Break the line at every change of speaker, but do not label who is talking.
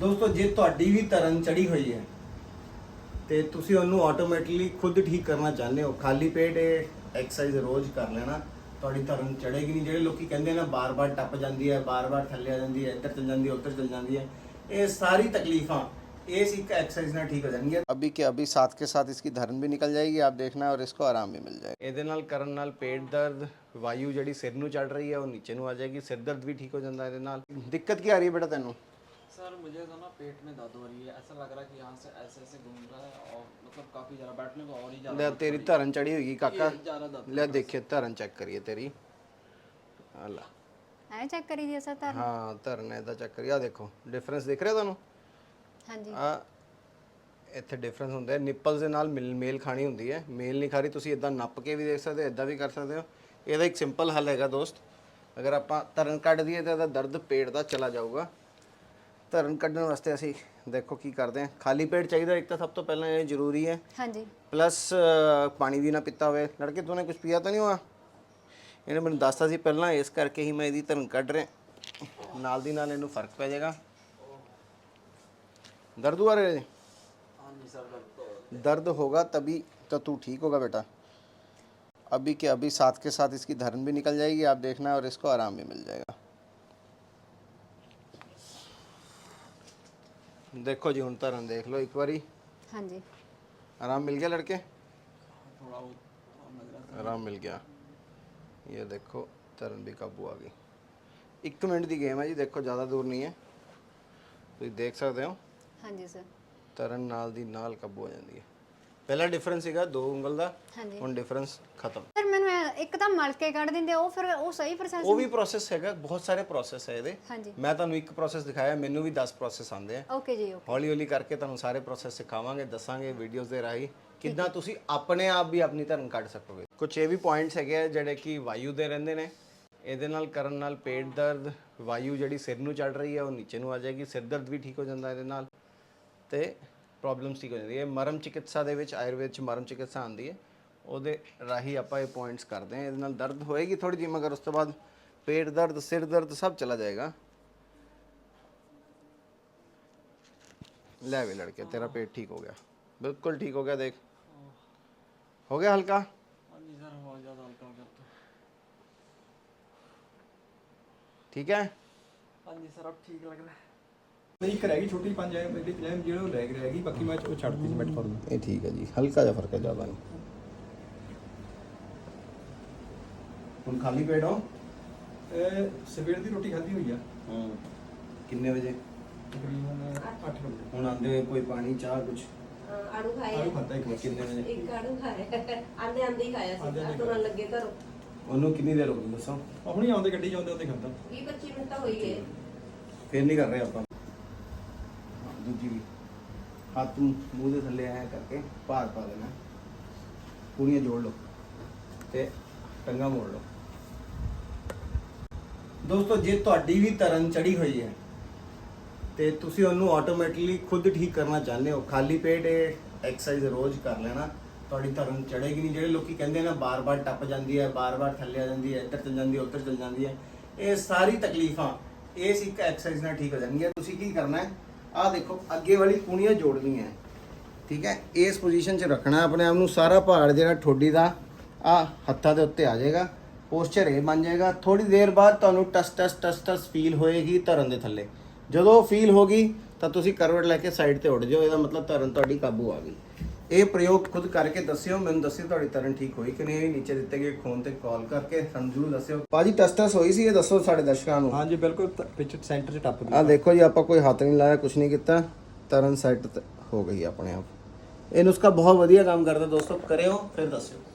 ਦੋਸਤੋ ਜੇ ਤੁਹਾਡੀ ਵੀ ਤਰਨ ਚੜੀ ਹੋਈ ਹੈ ਤੇ ਤੁਸੀਂ ਉਹਨੂੰ ਆਟੋਮੈਟਿਕਲੀ ਖੁਦ ਠੀਕ ਕਰਨਾ ਚਾਹੁੰਦੇ ਹੋ, ਖਾਲੀ ਪੇਟ ਇਹ ਐਕਸਰਸਾਈਜ਼ ਰੋਜ਼ ਕਰ ਲੈਣਾ, ਤੁਹਾਡੀ ਤਰਨ ਚੜੇਗੀ ਨਹੀਂ। ਜਿਹੜੇ ਲੋਕੀ ਕਹਿੰਦੇ ਨਾ ਬਾਰ-ਬਾਰ ਟੱਪ ਜਾਂਦੀ ਹੈ, ਬਾਰ-ਬਾਰ ਥੱਲੇ ਆ ਜਾਂਦੀ ਹੈ, ਇੱਧਰ ਚਲ ਜਾਂਦੀ ਹੈ, ਉੱਧਰ ਚਲ ਜਾਂਦੀ ਹੈ, ਇਹ ਸਾਰੀ ਤਕਲੀਫਾਂ इस एक एक्सरसाइज ना ठीक हो जाएंगे।
अभी के अभी साथ के साथ इसकी धरन भी निकल जाएगी, आप देखना, और इसको आराम भी मिल जाएगा।
ਇਹਦੇ ਨਾਲ ਕਰਨ ਨਾਲ ਪੇਟ ਦਰਦ, ਵਾਯੂ ਜਿਹੜੀ ਸਿਰ ਨੂੰ ਚੜ ਰਹੀ ਹੈ ਉਹ ਨੀਚੇ ਨੂੰ ਆ ਜਾਏਗੀ, ਸਿਰ ਦਰਦ ਵੀ ਠੀਕ ਹੋ ਜਾਂਦਾ ਇਹਦੇ ਨਾਲ।
दिक्कत क्या आ रही है बेटा तेनू?
सर मुझे तो ना पेट में दर्द हो रही है, ऐसा लग रहा है कि यहाँ से ऐसे ऐसे घूम रहा है और मतलब काफ़ी ज़्यादा बैठने को और ही ज़्यादा।
ले तेरी धरन चढ़ी होगी काका,
ज़्यादा दर्द।
ले देखिए धरन चेक करिए तेरी, अल्लाह
ਐ ਚੈੱਕ ਕਰੀ ਜੀ ਅਸਾਂ ਤਾਂ।
हाँ धरन इदा चेक करिए, आ देखो डिफरेंस दिख रहा ਤੁਹਾਨੂੰ?
ਹਾਂਜੀ
ਆ ਇੱਥੇ ਡਿਫਰੈਂਸ ਹੁੰਦਾ ਹੈ, ਨਿੱਪਲਸ ਦੇ ਨਾਲ ਮੇਲ ਖਾਣੀ ਹੁੰਦੀ ਹੈ, ਮੇਲ ਨਹੀਂ ਖਾ ਰਹੀ, ਤੁਸੀਂ ਇਦਾਂ ਨੱਪ ਕੇ ਵੀ ਦੇਖ ਸਕਦੇ ਹੋ, ਇਦਾਂ ਵੀ ਕਰ ਸਕਦੇ ਹੋ। ਇਹਦਾ ਇੱਕ ਸਿੰਪਲ ਹੱਲ ਹੈਗਾ ਦੋਸਤ, ਅਗਰ ਆਪਾਂ ਧਰਨ ਕੱਢ ਦਈਏ ਤਾਂ ਇਹਦਾ ਦਰਦ ਪੇਟ ਦਾ ਚਲਾ ਜਾਊਗਾ। ਧਰਨ ਕੱਢਣ ਵਾਸਤੇ ਅਸੀਂ ਦੇਖੋ ਕੀ ਕਰਦੇ ਹਾਂ, ਖਾਲੀ ਪੇਟ ਚਾਹੀਦਾ ਇੱਕ ਤਾਂ ਸਭ ਤੋਂ ਪਹਿਲਾਂ, ਇਹ ਜ਼ਰੂਰੀ ਹੈ।
ਹਾਂਜੀ
ਪਲੱਸ ਪਾਣੀ ਵੀ ਨਾ ਪੀਤਾ ਹੋਵੇ। ਲੜਕੇ ਤੂਨੇ ਕੁਝ ਪੀਆ ਤਾਂ ਨਹੀਂ ਹੋਆ? ਇਹਨੇ ਮੈਨੂੰ ਦੱਸਤਾ ਸੀ ਪਹਿਲਾਂ, ਇਸ ਕਰਕੇ ਹੀ ਮੈਂ ਇਹਦੀ ਧਰਨ ਕੱਢ ਰਿਹਾ, ਨਾਲ ਦੀ ਨਾਲ ਇਹਨੂੰ ਫਰਕ ਪੈ ਜਾਏਗਾ। दर्द हुआ रे?
हाँ जी सर
दर्द होगा तभी तो तू ठीक होगा बेटा। अभी के अभी साथ के साथ इसकी धरन भी निकल जाएगी, आप देखना, और इसको आराम भी मिल जाएगा। देखो जी हुन धरन देख लो एक बारी,
ਹਾਂਜੀ
आराम मिल गया लड़के?
थोड़ा बहुत
आराम मिल गया। ये देखो धरन भी काबू आ गई। 1 मिनट की गेम है जी, देखो ज़्यादा दूर नहीं है, तुम देख सकते हो।
ਹਾਂਜੀ ਸਰ
ਤਰਨ ਨਾਲ ਦੀ ਨਾਲ ਕਾਬੂ ਹੋ ਜਾਂਦੀ ਹੈ। ਪਹਿਲਾ ਡਿਫਰੈਂਸ ਸੀਗਾ 2 ਉਂਗਲ ਦਾ,
ਹਾਂਜੀ
ਹੁਣ ਡਿਫਰੈਂਸ ਖਤਮ।
ਸਰ ਮੈਨੂੰ ਇੱਕ ਤਾਂ ਮਲ ਕੇ ਕੱਢ ਦਿੰਦੇ, ਉਹ ਫਿਰ ਉਹ ਸਹੀ ਪ੍ਰੋਸੈਸ?
ਉਹ ਵੀ ਪ੍ਰੋਸੈਸ ਹੈਗਾ, ਬਹੁਤ ਸਾਰੇ ਪ੍ਰੋਸੈਸ ਹੈ ਇਹਦੇ।
ਹਾਂਜੀ
ਮੈਂ ਤੁਹਾਨੂੰ ਇੱਕ ਪ੍ਰੋਸੈਸ ਦਿਖਾਇਆ, ਮੈਨੂੰ ਵੀ 10 ਪ੍ਰੋਸੈਸ ਆਉਂਦੇ ਆ।
ਓਕੇ ਜੀ ਓਕੇ।
ਹੌਲੀ ਹੌਲੀ ਕਰਕੇ ਤੁਹਾਨੂੰ ਸਾਰੇ ਪ੍ਰੋਸੈਸ ਸਿਖਾਵਾਂਗੇ, ਦੱਸਾਂਗੇ ਵੀਡੀਓਜ਼ ਦੇ ਰਾਹੀਂ ਕਿੱਦਾਂ ਤੁਸੀਂ ਆਪਣੇ ਆਪ ਵੀ ਆਪਣੀ ਧਰਨ ਕੱਢ ਸਕੋਗੇ। ਕੁਝ ਇਹ ਵੀ ਪੁਆਇੰਟਸ ਹੈਗੇ ਆ ਜਿਹੜੇ ਕਿ ਵਾਯੂ ਦੇ ਰਹਿੰਦੇ ਨੇ, ਇਹਦੇ ਨਾਲ ਕਰਨ ਨਾਲ ਪੇਟ ਦਰਦ, ਵਾਯੂ ਜਿਹੜੀ ਸਿਰ ਨੂੰ ਚੜ ਰਹੀ ਹੈ ਉਹ ਨੀਚੇ ਨੂੰ ਆ ਜਾਏਗੀ, ਸਿਰ ਦਰਦ ਵੀ ਠੀਕ ਹੋ ਜਾਂਦਾ ਇਹਦੇ ਨਾਲ, ਤੇ ਪ੍ਰੋਬਲਮਸ ਠੀਕ ਹੋ ਜਾਂਦੀ ਹੈ। ਮਰਮ ਚਿਕਿਤਸਾ ਦੇ ਵਿੱਚ, ਆਯੁਰਵੇਦ ਚ ਮਰਮ ਚਿਕਿਤਸਾ ਆਉਂਦੀ ਹੈ, ਉਹਦੇ ਰਾਹੀਂ ਆਪਾਂ ਇਹ ਪੁਆਇੰਟਸ ਕਰਦੇ ਹਾਂ। ਇਹਦੇ ਨਾਲ ਦਰਦ ਹੋਏਗੀ ਥੋੜੀ ਜਿਹੀ, ਮਗਰ ਉਸ ਤੋਂ ਬਾਅਦ ਪੇਟ ਦਰਦ, ਸਿਰ ਦਰਦ ਸਭ ਚਲਾ ਜਾਏਗਾ। ਲੈ ਵੇ ਲੜਕੇ, तेरा पेट ठीक हो गया, बिल्कुल ठीक हो गया, देख हो गया हल्का।
हाँ जी सर बहुत ज़्यादा हल्का हो गया तो।
ठीक है,
हाँ जी सर अब ठीक लग रहा है।
ਇੱਕ ਰਹਿ ਗਈ ਛੋਟੀ 5 ਐਮ ਜਿਹੜੀ ਕਲੈਮ ਜਿਹੜਾ ਉਹ ਰਹਿ ਗਈ, ਬਾਕੀ ਮੈਂ ਉਹ ਛੱਡਤੀ ਸੀ ਮੈਟਫੋਰਮ।
ये ठीक है जी, हल्का जा फर्क है, ज़्यादा नहीं। ਹੁਣ ਖਾਲੀ ਪੇਟ ਹੋ?
ਸਵੇਰ ਦੀ ਰੋਟੀ ਖਾਧੀ ਹੋਈ ਆ
ਕਿੰਨੇ ਵਜੇ?
ਤਕਰੀਬਨ 8 ਵਜੇ।
ਹੁਣ ਆਂਦੇ ਹੋਏ ਕੋਈ ਪਾਣੀ ਚਾਹ ਕੁਝ?
ਆੜੂ ਖਾਇਆ
ਆਲੂ ਖਾਧਾ ਇੱਕ
ਕਿੰਨੇ ਵਜੇ?
ਇੱਕ ਆੜੂ ਖਾਇਆ ਆਂਦੇ ਆਂਦੇ ਹੀ ਖਾਇਆ ਸੀ, ਤੁਰਨ ਲੱਗੇ ਘਰੋਂ।
ਉਹਨੂੰ ਕਿੰਨੀ ਦੇਰ ਹੋ ਗਈ ਦੱਸੋ?
ਹੁਣੀ ਆਉਂਦੇ ਗੱਡੀ ਚ ਆਉਂਦੇ ਉੱਤੇ ਖਾਧਾ।
20-25 ਮਿੰਟ ਤਾਂ ਹੋਈ ਗਏ।
ਫਿਰ ਨਹੀਂ ਕਰ ਰਹੇ ਆਪਾਂ। ਦੂਜੀ ਵੀ ਹੱਥ ਮੂੰਹ ਦੇ ਥੱਲੇ ਐ ਕਰਕੇ ਭਾਰ ਪਾ ਦੇਣਾ, ਪੂਰੀਆਂ ਜੋੜ ਲਓ ਤੇ ਟੰਗਾ ਮੋੜ ਲਓ।
ਦੋਸਤੋ ਜੇ ਤੁਹਾਡੀ ਵੀ ਤਰਨ ਚੜੀ ਹੋਈ ਹੈ ਤੇ ਤੁਸੀਂ ਉਹਨੂੰ ਆਟੋਮੈਟਿਕਲੀ ਖੁਦ ਠੀਕ ਕਰਨਾ ਚਾਹੁੰਦੇ ਹੋ, ਖਾਲੀ ਪੇਟ ਇਹ ਐਕਸਰਸਾਈਜ਼ ਰੋਜ਼ ਕਰ ਲੈਣਾ, ਤੁਹਾਡੀ ਤਰਨ ਚੜੇਗੀ ਨਹੀਂ। ਜਿਹੜੇ ਲੋਕੀ ਕਹਿੰਦੇ ਨਾ ਬਾਰ-ਬਾਰ ਟੱਪ ਜਾਂਦੀ ਹੈ, ਬਾਰ-ਬਾਰ ਥੱਲੇ ਆ ਜਾਂਦੀ ਹੈ, ਇੱਧਰ ਚਲ ਜਾਂਦੀ ਹੈ, ਉੱਧਰ ਚਲ ਜਾਂਦੀ ਹੈ, ਇਹ ਸਾਰੀ ਤਕਲੀਫਾਂ ਇਸ ਇੱਕ ਐਕਸਰਸਾਈਜ਼ ਨਾਲ ਠੀਕ ਹੋ ਜਾਣਗੀਆਂ। ਤੁਸੀਂ ਕੀ ਕਰਨਾ ਹੈ, ਆਹ ਦੇਖੋ ਅੱਗੇ ਵਾਲੀ ਕੂਣੀਆਂ ਜੋੜਨੀਆਂ, ਠੀਕ ਹੈ, ਇਸ ਪੋਜੀਸ਼ਨ 'ਚ ਰੱਖਣਾ ਆਪਣੇ ਆਪ ਨੂੰ। ਸਾਰਾ ਭਾਰ ਜਿਹੜਾ ਠੋਡੀ ਦਾ ਆ ਹੱਥਾਂ ਦੇ ਉੱਤੇ ਆ ਜਾਏਗਾ, ਪੋਸਚਰ ਇਹ ਬਣ ਜਾਏਗਾ। ਥੋੜੀ ਦੇਰ ਬਾਅਦ ਤੁਹਾਨੂੰ ਟਸ ਟਸ ਟਸ ਟਸ ਫੀਲ ਹੋਏਗੀ ਧਰਨ ਦੇ ਥੱਲੇ। ਜਦੋਂ ਫੀਲ ਹੋ ਗਈ ਤਾਂ ਤੁਸੀਂ ਕਰਵਟ ਲੈ ਕੇ ਸਾਈਡ ਤੇ ਉੱਡ ਜਾਓ, ਇਹਦਾ ਮਤਲਬ ਧਰਨ ਤੁਹਾਡੀ ਕਾਬੂ ਆ ਗਈ। ਇਹ ਪ੍ਰਯੋਗ ਖੁਦ ਕਰਕੇ ਦੱਸਿਓ, ਮੈਨੂੰ ਦੱਸਿਓ ਤੁਹਾਡੀ ਤਰਨ ਠੀਕ ਹੋਈ ਕਿ ਨਹੀਂ। ਨੀਚੇ ਦਿੱਤੇ ਗਏ ਫੋਨ ਤੇ ਕਾਲ ਕਰਕੇ ਸਾਨੂੰ ਜ਼ਰੂਰ ਦੱਸਿਓ।
ਭਾਜੀ ਟਸ ਟਸ ਹੋਈ ਸੀ, ਇਹ ਦੱਸੋ ਸਾਡੇ ਦਰਸ਼ਕਾਂ ਨੂੰ।
ਹਾਂਜੀ ਬਿਲਕੁਲ, ਵਿੱਚ ਸੈਂਟਰ 'ਚ ਟੱਪ ਗਈ।
ਆ ਦੇਖੋ ਜੀ, ਆਪਾਂ ਕੋਈ ਹੱਥ ਨਹੀਂ ਲਾਇਆ, ਕੁਝ ਨਹੀਂ ਕੀਤਾ, ਤਰਨ ਸੈੱਟ ਹੋ ਗਈ ਆਪਣੇ ਆਪ।
ਇਹ ਨੁਸਖਾ ਬਹੁਤ ਵਧੀਆ ਕੰਮ ਕਰਦਾ ਦੋਸਤੋ, ਕਰਿਓ ਫਿਰ ਦੱਸਿਓ।